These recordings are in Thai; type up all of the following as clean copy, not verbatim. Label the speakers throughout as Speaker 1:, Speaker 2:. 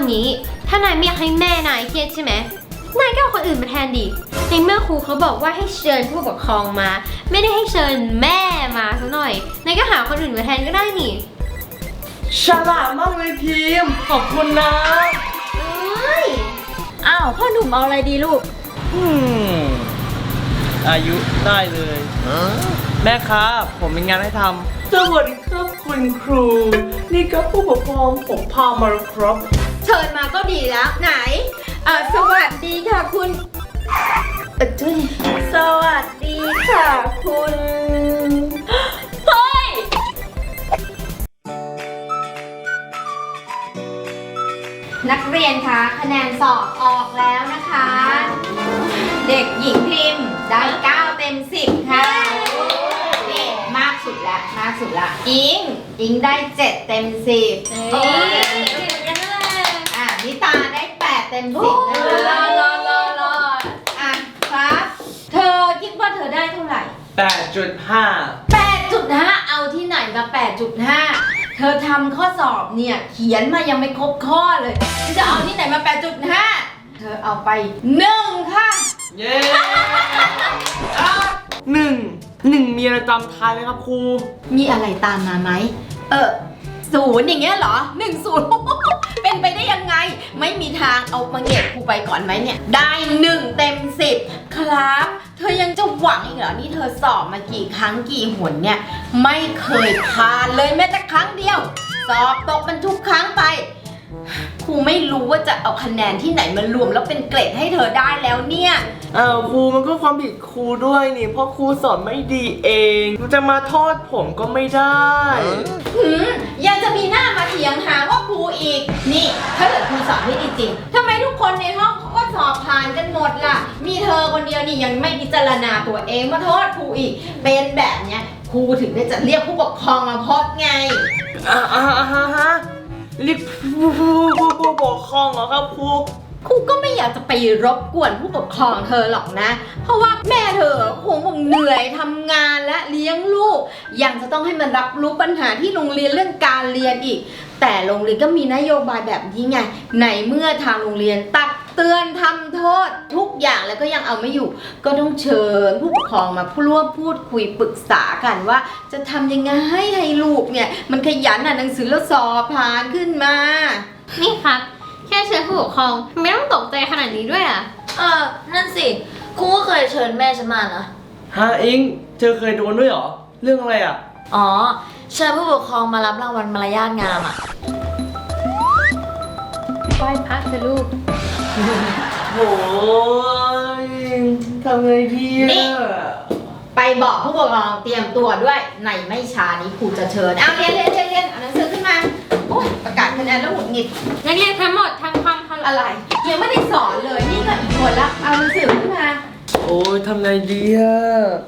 Speaker 1: งี้ถ้านายไม่อยากให้แม่นายเครียดใช่ไหมนายก็เอาคนอื่นมาแทนดิในเมื่อครูเขาบอกว่าให้เชิญผู้ปกครองมาไม่ได้ให้เชิญแม่มาซะหน่อยนายก็หาคนอื่นมาแทนก็ได้นี่
Speaker 2: ฉลาดมากเลยพิมพ์ขอบคุณนะ
Speaker 3: อ้าวพ่อหนุ่มเอาอะไรดีลูก
Speaker 2: อายุได้เลยแม่ครับผมมีงานให้ทำสวัสดีครับคุณครูนี่ครับผู้ปกครองผมพามาครับ
Speaker 3: เชิญมาก็ดีแล้วไหนสวัสดีค่ะคุณสวัสดีค่ะคุณเฮ้ยนักเรียนคะคะแนนสอบออกแล้วนะคะเด็กหญิงพิมพ์ได้9 เต็ม 10ค่ะนี่มากสุดละมากสุดละอิงได้7 เต็ม 10นิตาได้8 เต็ม 10นะคะรอครับเธอคิดว่าเธอได้เท่าไหร่8.5เอาที่ไหนมา8.5เธอทำข้อสอบเนี่ยเขียนมายังไม่ครบข้อเลยจะเอาที่ไหนมา8.5เธอเอาไป1ค่ะ
Speaker 2: เย้หนึ่งมีอะไรตามท้ายไหมครับครู
Speaker 3: มีอะไรตามมาไหม0อย่างเงี้ยเหรอ10เป็นไปได้ยังไงไม่มีทางเอามาเก็บครูไปก่อนไหมเนี่ยได้1 เต็ม 10ครับเธอยังจะหวังอีกเหรอนี่เธอสอบมากี่ครั้งกี่หนเนี่ยไม่เคยผ่านเลยแม้แต่ครั้งเดียวสอบตกมันทุกครั้งไปครูไม่รู้ว่าจะเอาคะแนนที่ไหนมารวมแล้วเป็นเกรดให้เธอได้แล้วเนี่ย
Speaker 2: ครูมันก็ความผิดครูด้วยนี่เพราะครูสอนไม่ดีเองมันจะมาโทษผมก็ไม่ได้
Speaker 3: ยังจะมีหน้ามาเถียงหาว่าครูอีกนี่ถ้าเกิดครูสอนไม่ดีจริงทำไมทุกคนในห้องเขาก็สอบผ่านกันหมดล่ะมีเธอคนเดียวนี่ยังไม่พิจารณาตัวเองมาโทษครูอีกเป็นแบบเนี้ยครูถึงได้จะเรียกผู้ปกครองมาพบไง
Speaker 2: เรียกผู้ปกครองเหรอครับครู
Speaker 3: ก็ไม่อยากจะไปรบกวนผู้ปกครองเธอหรอกนะเพราะว่าแม่เธอคงเหนื่อยทำงานและเลี้ยงลูกยังจะต้องให้มันรับรู้ปัญหาที่โรงเรียนเรื่องการเรียนอีกแต่โรงเรียนก็มีนโยบายแบบนี้ไงในเมื่อทางโรงเรียนตักเตือนทำโทษทุกอย่างแล้วก็ยังเอาไม่อยู่ก็ต้องเชิญผู้ปกครองมาร่วมพูดคุยปรึกษากันว่าจะทำยังไงให้ลูกเนี่ยมันขยันอ่านหนังสือแล้วสอบผ่านขึ้นมา
Speaker 1: นี่ครับแค่เชิญผู้ปกครองไม่ต้องตกใจขนาดนี้ด้วยอ่ะ
Speaker 4: นั่นสิครูก็เคยเชิญแม่ฉันมานะ
Speaker 2: อิงเธอเคยโดนด้วยเหรอเรื่องอะไรอ่ะ
Speaker 4: อ๋อเชิญผู้ปกครองมารับรางวัลมารยาทงามอ่ะ
Speaker 1: ไหว้พระเถอะลูก
Speaker 2: โอ้ยทำไงดี
Speaker 3: นี่ไปบอกผู้ปกครองเตรียมตัวด้วยในไม่ช้านี้ครูจะเชิญเอาเรียนเอาหนังสือขึ้นมาโอ้ยประกาศคะแนนแล้วหงุดหงิด
Speaker 1: นักเรียนทั้งหมดทำความ
Speaker 3: อะไรยังไม่ได้สอนเลยนี่ก็อีกคนละเอาหนังสือขึ้นมา
Speaker 2: โอ้ยทำไงดีอะ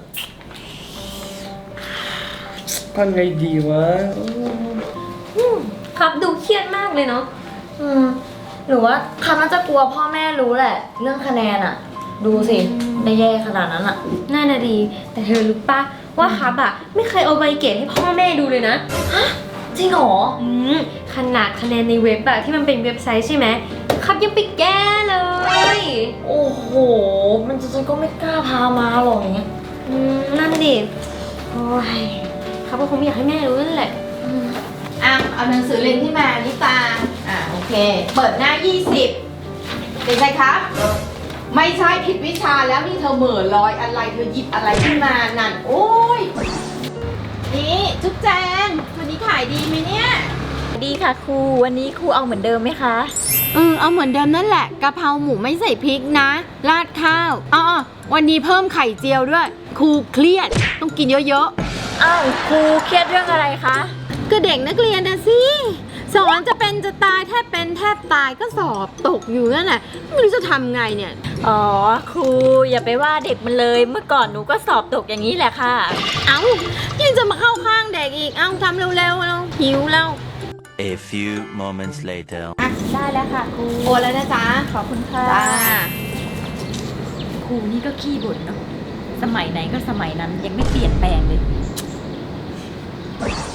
Speaker 2: ทำไงดีวะ
Speaker 1: ครับดูเครียดมากเลยเนาะ
Speaker 4: หรือว่าเขาน่าจะกลัวพ่อแม่รู้แหละเรื่องคะแนนอะดูสิได้แย่ขนาดนั้นอะ
Speaker 1: น่าจะดีแต่เธอรู้ปะว่าครับอะไม่เคยเอาใบเกรดให้พ่อแม่ดูเลยนะ
Speaker 4: จริงเหรอ
Speaker 1: ขนาดคะแนนในเว็บอะที่มันเป็นเว็บไซต์ใช่ไหมครับยังไปแก้เลย
Speaker 4: โอ้โหมันฉันก็ไม่กล้าพามาหรอกอย่างเงี้ย
Speaker 1: นั่นดิโอ้ยครับก็คงไม่อยากให้แม่รู้นั่นแหละ
Speaker 3: เอาหนังสือเรียนที่มานิตาโอเคเปิดหน้า20เป็นไงครับไม่ใช่ผิดวิชาแล้วนี่เธอเหม่อลอยอะไรเธอหยิบอะไรขึ้นมานั่นโอ้ยนี่จุ๊บแจงวันนี้ขายดีไหมเนี่ย
Speaker 4: ดีค่ะครูวันนี้ครูเอาเหมือนเดิมไหมคะ
Speaker 3: เอาเหมือนเดิมนั่นแหละกะเพราหมูไม่ใส่พริกนะราดข้าววันนี้เพิ่มไข่เจียวด้วยครูเครียดต้องกินเยอะ
Speaker 4: ๆอ้าวครูเครียดเรื่องอะไรคะ
Speaker 3: ก็เด็กนักเรียนนะสิสอนจะเป็นจะตายแทบเป็นแทบตายก็สอบตกอยู่นั่นแหละไม่รู้จะทำไงเนี่ย
Speaker 4: ครูอย่าไปว่าเด็กมันเลยเมื่อก่อนหนูก็สอบตกอย่างนี้แหละค่ะ
Speaker 3: ยังจะมาเข้าข้างเด็กอีกทำเร็วๆเราหิวแล้ว
Speaker 5: A few moments later
Speaker 4: ได้แล้วค่ะครู
Speaker 3: โอนแล้วนะจ๊ะ
Speaker 4: ขอบคุณค่ะครูนี่ก็ขี้บ่นเนาะสมัยไหนก็สมัยนั้นยังไม่เปลี่ยนแปลงเลย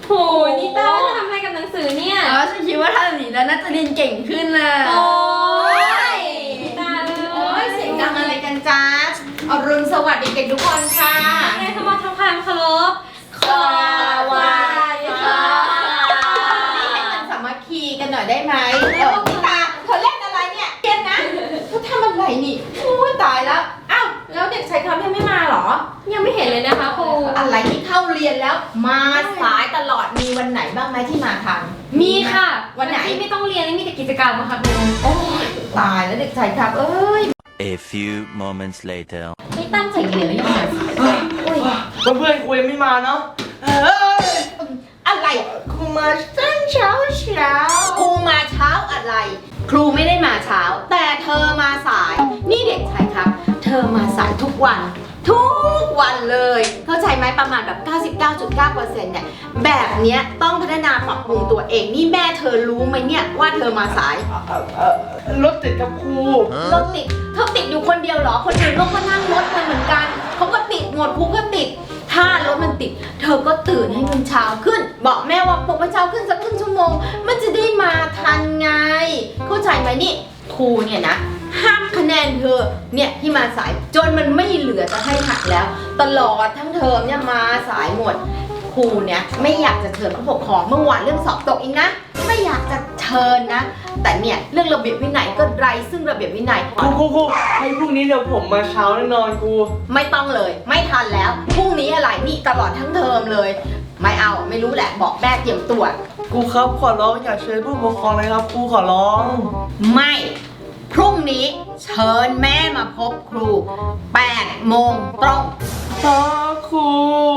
Speaker 1: โหนิต้าจะทำอะไรกับหนังสือเนี่ย
Speaker 3: ฉันคิดว่าถ้าแบบนี้แล้วน่าจะเรียนเก่งขึ้นนะ
Speaker 1: โอ้ยนิต้า
Speaker 3: โอ้ยเสียงดังอะไรกันจ๊ะอรุณสวัสดิ์เด็กๆทุกคนค่ะ
Speaker 1: ไงขมาทำความเคารพ
Speaker 3: สวัสดีค่ะนี่ให้มันสามัคคีกันหน่อยได้ไหมพี่ตาเธอเล่นอะไรเนี่ยเกนนะเธอทำอะไรนี่โอ้ยตายแล้วอ้าวแล้วเด็กชายครับยังไม่มาเหรอ
Speaker 1: ยังไม่เห็นเลยนะคะครู
Speaker 3: อะไรที่เข้าเรียนแล้ว มาสายตลอดมีวันไหนบ้างไหมที่มาทัน
Speaker 1: มีค่ะ
Speaker 3: วันไหน
Speaker 1: ที่ไม่ต้องเรียนมีแต่กิจกรรมอะค่ะครู
Speaker 3: โอ้ยตายแล้วเด็กชายครับเอ้ย
Speaker 5: A few moments later.
Speaker 3: ไม่ตั้งใจเรียนหรือยังไง
Speaker 2: เพื่อนๆคุยยังไม่มาเนาะเฮ้ย
Speaker 3: อะไร
Speaker 2: ครูมาตั้งเช้า
Speaker 3: ครูมาเช้าอะไร ครูไม่ได้มาเช้า แต่เธอมาสาย นี่เด็กชายครับ เธอมาสายทุกวัน ทุกวันเลย เข้าใจไหมประมาณแบบ 99.9% เนี่ย แบบเนี้ยต้องพัฒนาปรับปรุงตัวเอง นี่แม่เธอรู้ไหมเนี่ยว่าเธอมาสาย
Speaker 2: รถติดกับครู
Speaker 3: รถติดเธอติดอยู่คนเดียวเหรอ คนอื่นก็นั่งรถกันเหมือนกัน เขาก็ติดหมดครูก็ติด ถ้ารถมันติด เธอก็ตื่นให้มันเช้าขึ้น บอกแม่ว่าปลุกมันเช้าขึ้นสักครึ่งชั่วโมง มันจะได้มาทันไง เข้าใจไหมนี่ ครูเนี่ยนะ ห้ามคะแนนเธอ เนี่ยที่มาสายจนมันไม่เหลือจะให้หักแล้ว ตลอดทั้งเทอมเนี่ยมาสายหมด ครูเนี่ยไม่อยากจะเชิญผู้ปกครองเมื่อวานเรื่องสอบตกอีกนะ ไม่อยากจะเชิญนะ แต่เนี่ยเรื่องระเบียบวินัยก็ไร้ซึ่งระเบียบวินัย
Speaker 2: ครูให้พรุ่งนี้เดี๋ยวผมมาเช้าแน่นอนครู
Speaker 3: ไม่ต้องเลย ไม่ทันแล้วพรุ่งนี้อะไรนี่ตลอดทั้งเทอมเลย ไม่เอาไม่รู้แหละบอกแม่เตรียมตัว
Speaker 2: ครูครับขอร้องอย่าเชิญผู้ปกครองเลยครับครูขอร้อง
Speaker 3: ไม่พรุ่งนี้เชิญแม่มาพบครู8 โมงตรง
Speaker 2: ครู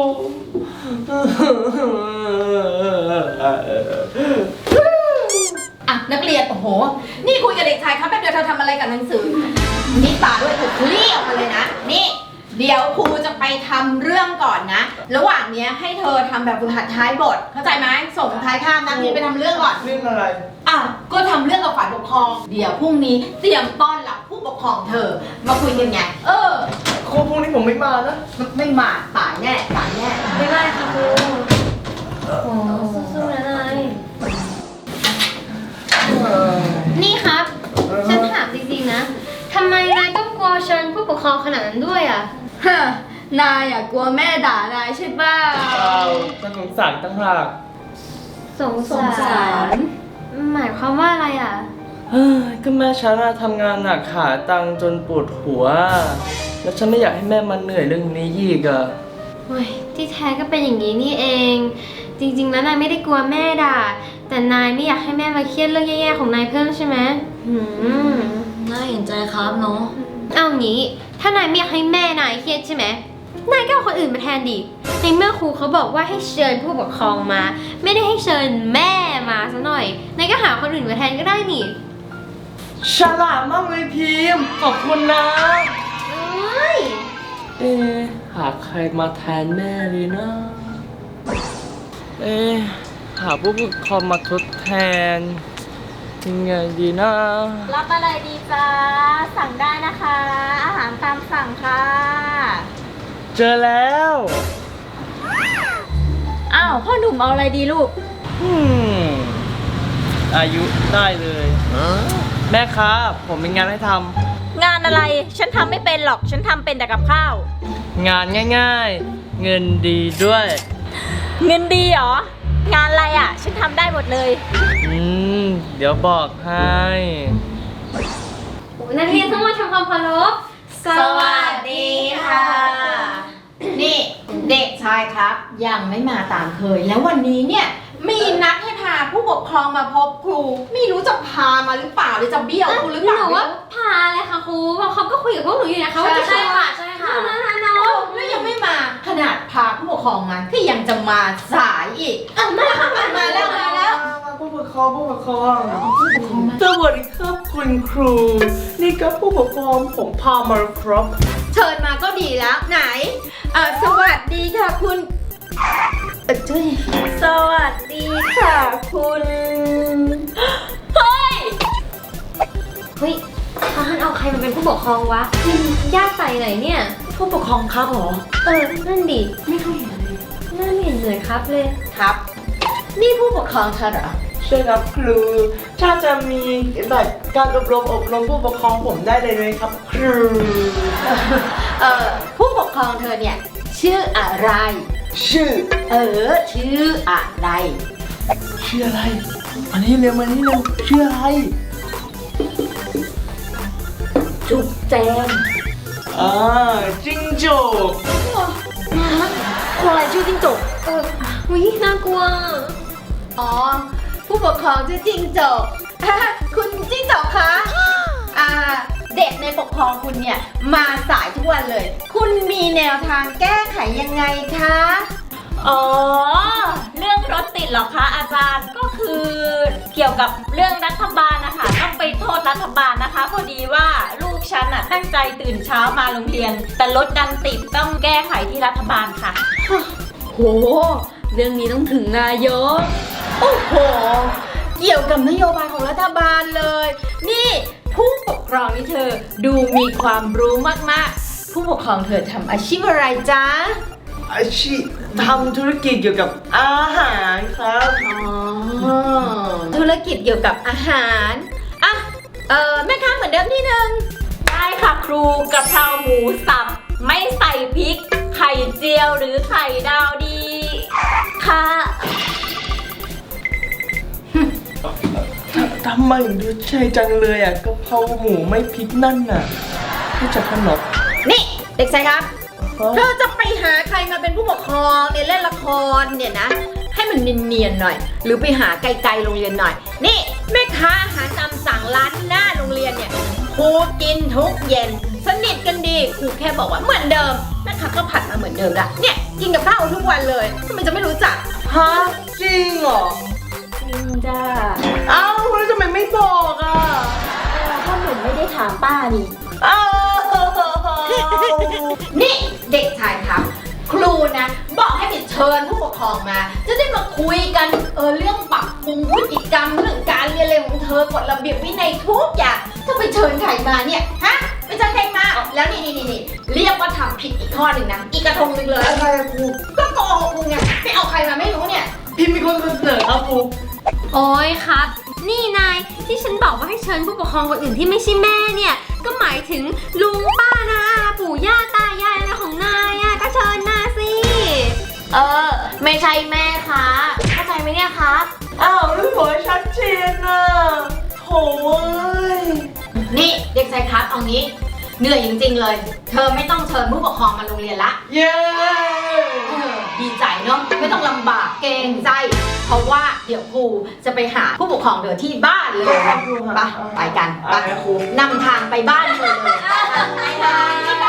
Speaker 3: อ่ะนักเรียนโอ้โหนี่คุยกับเด็กชายครับแป๊บเดียวเธอทำอะไรกับหนังสือนี่ตาด้วยเธอเคลียร์ออกมาเลยนะนี่เดี๋ยวครูจะไปทำเรื่องก่อนนะ ระหว่างเนี้ยให้เธอทำแบบฝึกหัดท้ายบท เข้าใจไหมส่งท้ายข้ามนักเรียนไปทำเรื่องก่อน
Speaker 2: เรื่องอะไร
Speaker 3: อ่ะก็ทำเรื่องกับฝ่ายปกครอง เดี๋ยวพรุ่งนี้เตรียมต้อนรับผู้ปกครองเธอ มาคุยกันไง
Speaker 2: ครูพรุ่งนี้ผมไม่มานะ
Speaker 3: ไม่มาตายแน่ตายแน่
Speaker 1: ไม่ได้ค่ะครูโอ้สู้ๆนะนายนี่ครับ ฉันถามจริงๆนะทำไมนายต้องกลัวเชิญผู้ปกครองขนาดนั้นด้วยอ่ะ
Speaker 4: ฮะนายอ่ะกลัวแม่ด่านายใช่ป่ะ
Speaker 2: ฉันสงสารตั้งหาก
Speaker 1: สงสารหมายความว่าอะไรอ่ะ
Speaker 2: เฮ้ยก็แม่ฉันอะทำงานหนักหาตังค์จนปวดหัว แล้วฉันไม่อยากให้แม่มาเหนื่อยเรื่องนี้อีกอะ
Speaker 1: โอ้ยที่แท้ก็เป็นอย่างนี้นี่เอง จริงๆแล้วนายไม่ได้กลัวแม่ด่า แต่นายไม่อยากให้แม่มาเครียดเรื่องแย่ๆของนายเพิ่มใช่ไหม
Speaker 4: น่าเห็นใจครับเนาะ
Speaker 1: เอางี้ ถ้านายไม่อยากให้แม่นายเครียดใช่ไหมนายก็เอาคนอื่นมาแทนดิในเมื่อครูเขาบอกว่าให้เชิญผู้ปกครองมา ไม่ได้ให้เชิญแม่มาซะหน่อยนายก็หาคนอื่นมาแทนก็ได้นี่
Speaker 2: ฉลาดมากเลยพิมพ์ขอบคุณนะ หาใครมาแทนแม่ดีนะ หาผู้ปกครองมาทดแทนยังไงดีนะ
Speaker 4: รับอะไรดีจ้าสั่งได้นะคะ อาหารตามสั่งค่ะ
Speaker 2: เจอแล้ว
Speaker 4: อ้าวพ่อหนุ่มเอาอะไรดีลูก
Speaker 2: อายุได้เลย แม่ครับผมมีงานให้ท
Speaker 6: งานอะไร ฉันทำไม่เป็นหรอก ฉันทำเป็นแต่กับข้าว
Speaker 2: ำงานง่ายๆ เงินดีด้วย
Speaker 6: เงินดีเหรอ งานอะไรอ่ะ ฉันทำได้หมดเลย
Speaker 2: เดี๋ยวบอกให้
Speaker 1: นักเรียนทั้งหมดทำความเคารพ
Speaker 3: สวัสดีค่ะ นี่เด็กชายครับ ยังไม่มาตามเคย แล้ววันนี้เนี่ยมีนัดให้พาผู้ปกครองมาพบครู ไม่รู้จะพามาหรือเปล่าหรือจะเบี้ยวครูหรือเปล่า
Speaker 1: หนูว่าพาเลยค่ะครูเพราะเขาก็คุยกับพวกหนูอยู่นะคะว่าจะ
Speaker 4: ใช่ค่ะใช่ค่ะ
Speaker 1: น้อง
Speaker 3: แล้วยังไม่มาขนาดพาผู้ปกครองมาก็ยังจะมาสายอีกมาแล้วมาแล้ว
Speaker 2: ผู้ปกครองสวัสดีครับคุณครู นี่ก็ผู้ปกครองผมพามาครับ
Speaker 3: เชิญมาก็ดีแล้วไหนสวัสดีค่ะคุณจุ้ย
Speaker 6: สวัสดีค่ะคุณ
Speaker 1: เฮ้ยเขาให้เอาใครมาเป็นผู้ปกครองวะญาติใส่ไหนเนี่ย
Speaker 4: ผู้ปกครองครับเหรอ
Speaker 1: นั่นดิไม่เคยเห็นเลยน่าไม่เห็นเลยครับเลย
Speaker 3: ครับนี่ผู้ปกครองเธอเหรอ
Speaker 2: ใช่ครับครู ถ้าจะมีแบบการอบรมผู้ปกครองผมได้เลยไหมครับครู
Speaker 3: ผู้ปกครองเธอเนี่ยชื่ออะไร
Speaker 2: ชื่อ
Speaker 3: ชื่ออะไร
Speaker 2: ชื่ออะไรมานี่เร็วชื่ออะไร
Speaker 4: จุ๊บแจง
Speaker 2: จิ้งจก
Speaker 4: คนอะไรชื่อจิ้งจก
Speaker 1: อุ๊ยน่ากลัว
Speaker 3: อ๋อ ผู้ปกครองชื่อจิ้งจก คุณจิ้งจกคะ เด็กในปกครองคุณเนี่ยมาสายทุกวันเลย คุณมีแนวทางแก้ไขยังไงคะ
Speaker 6: อ๋อ เรื่องรถติดเหรอคะอาจารย์ ก็คือเกี่ยวกับเรื่องรัฐบาลนะคะต้องไปโทษรัฐบาลนะคะ พอดีว่าลูกฉันน่ะตั้งใจตื่นเช้ามาโรงเรียน แต่รถดันติดต้องแก้ไขที่รัฐบาลค่ะ
Speaker 3: โห เรื่องนี้ต้องถึงนายก โอ้โห เกี่ยวกับนโยบายของรัฐบาลเลย นี่ผู้ปกครองนี่เธอดูมีความรู้มากๆ ผู้ปกครองเธอทำอาชีพอะไรจ๊ะ
Speaker 2: อาชีพทำธุรกิจเกี่ยวกับอาหารครับ
Speaker 3: ธุรกิจเกี่ยวกับอาหารอ่ะแม่ค้าเหมือนเดิมที่หนึ่ง
Speaker 6: ได้ค่ะครูกะเพราหมูสับไม่ใส่พริก ไข่เจียวหรือไข่ดาวดี ค่ะ
Speaker 2: ทำไมถึงดูใช่จังเลยอ่ะกะเพราหมูไม่พริกนั่นน่ะรู้จักขนม
Speaker 3: นี่เด็กชายครับ เธอจะไปหาใครมาเป็นผู้ปกครองเนี่ยเล่นละครเนี่ยนะ ให้มันเนียนๆหน่อย หรือไปหาไกลๆโรงเรียนหน่อย นี่แม่ค้าอาหารตามสั่งร้านหน้าโรงเรียนเนี่ยครูกินทุกเย็นสนิทกันดีครูแค่บอกว่าเหมือนเดิมแม่ค้าก็ผัดมาเหมือนเดิมละเนี่ยกินกับข้าวทุกวันเลยทำไมจะไม่รู้จัก
Speaker 2: ฮะจริงเหรอ
Speaker 4: จริงจ้า
Speaker 2: เอ้าแล้วทำไมไม่บอกอ่ะ
Speaker 4: ถ้าหนูไม่ได้ถามป้านี่
Speaker 2: เอ้า
Speaker 3: นี่เด็กชายครับ ครูนะบอกให้ไปเชิญผู้ปกครองมา จะได้มาคุยกันเรื่องปรับปรุงพฤติกรรมเรื่องการเรียนอะไรของเธอกฎระเบียบวินัยทุกอย่างถ้าไปเชิญใครมาเนี่ยฮะไปเชิญใครมาแล้วนี่เรียกว่าทำผิดอีกข้อหนึ่งนะอีกกระทงหนึ่งเลย
Speaker 2: อะไรอะครู
Speaker 3: ก็โกหกครูไงไม่เอาใครมาไม่รู้เนี่ย
Speaker 2: พี่มีคนเสนอครับครู
Speaker 1: โอ้ยครับ นี่นายที่ฉันบอกว่าให้เชิญผู้ปกครองคนอื่นที่ไม่ใช่แม่เนี่ย ก็หมายถึงลุงป้านาอาปู่ย่าตายายอะไรของนายอะก็เชิญมาสิ
Speaker 4: ไม่ใช่แม่คะเข้าใจไหมเนี่ยคะ
Speaker 2: อ้าวแล้วบอกให้ชัดเจนน่ะโถ่เอ้ย
Speaker 3: นี่เด็กชายครับเอางี้เหนื่อยจริงๆเลย เธอไม่ต้องเชิญผู้ปกครองมาโรงเรียนละ
Speaker 2: เย้
Speaker 3: ดีใจเนาะไม่ต้องลำบากเกรงใจ เพราะว่าเดี๋ยวครูจะไปหาผู้ปกครองเธอที่บ้านเลยไปกันไปนำทางไปบ้านเธอเลยไป